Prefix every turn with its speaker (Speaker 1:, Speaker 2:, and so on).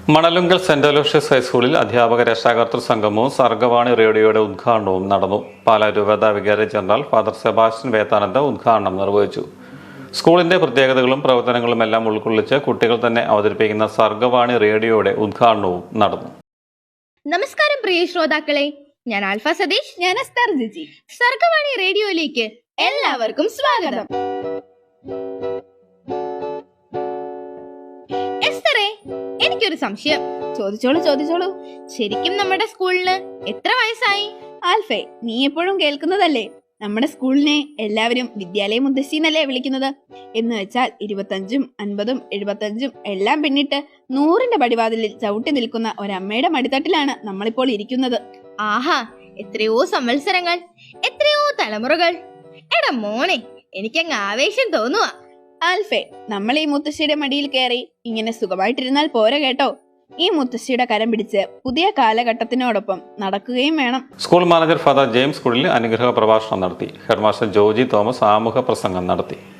Speaker 1: മണലുങ്കൽ saint Aloysius ഹൈസ്കൂളിൽ അധ്യാപക രക്ഷാകർതൃ സംഗമവും സർഗവാണി റേഡിയോയുടെ ഉദ്ഘാടനവും നടന്നു. പാലാ രൂപതാ വികാരി ജനറൽ ഫാദർ സെബാസ്റ്റ്യൻ വേത്താനന്ദ ഉദ്ഘാടനം നിർവഹിച്ചു. സ്കൂളിന്റെ പ്രത്യേകതകളും പ്രവർത്തനങ്ങളും എല്ലാം ഉൾക്കൊള്ളിച്ച് കുട്ടികൾ തന്നെ അവതരിപ്പിക്കുന്ന സർഗവാണി റേഡിയോയുടെ ഉദ്ഘാടനവും നടന്നു.
Speaker 2: നമസ്കാരം പ്രിയ ശ്രോതാക്കളെ, ഞാൻ ആൽഫ സതീഷ്, ഞാൻ അസ്താർ ജിജി. സർഗവാണി റേഡിയോയിലേക്ക് എല്ലാവർക്കും സ്വാഗതം. എസ്തറേ, എനിക്കൊരു സംശയം. ചോദിച്ചോളൂ. ശരിക്കും നമ്മുടെ സ്കൂളിന് എത്ര വയസ്സായി?
Speaker 3: ആൽഫേ, നീ എപ്പോഴും കേൾക്കുന്നതല്ലേ, നമ്മുടെ സ്കൂളിനെ എല്ലാവരും വിദ്യാലയ മുത്തശ്ശീന്നല്ലേ വിളിക്കുന്നത്. എന്ന് വെച്ചാൽ 25ഉം 50ഉം 75ഉം എല്ലാം പിന്നിട്ട് 100ന്റെ പടിവാതിലിൽ ചവിട്ടി നിൽക്കുന്ന ഒരമ്മയുടെ മടിത്തട്ടിലാണ് നമ്മളിപ്പോൾ ഇരിക്കുന്നത്.
Speaker 2: ആഹാ, എത്രയോ സംവത്സരങ്ങൾ, എത്രയോ തലമുറകൾ. എടാ മോനെ, എനിക്കങ്ങ് ആവേശം തോന്നുവാ.
Speaker 3: ആൽഫേ, നമ്മൾ ഈ മുത്തശ്ശിയുടെ മടിയിൽ കയറി ഇങ്ങനെ സുഖമായിട്ടിരുന്നാൽ പോരാ കേട്ടോ. ഈ മുത്തശ്ശിയുടെ കരം പിടിച്ച് പുതിയ കാലഘട്ടത്തിനോടൊപ്പം നടക്കുകയും വേണം.
Speaker 1: സ്കൂൾ മാനേജർ ഫാദർ ജെയിംസ് കുടിലിൽ അനുഗ്രഹ പ്രഭാഷണം നടത്തി. ഹെഡ്മാസ്റ്റർ ജോജി തോമസ് ആമുഖ പ്രസംഗം നടത്തി.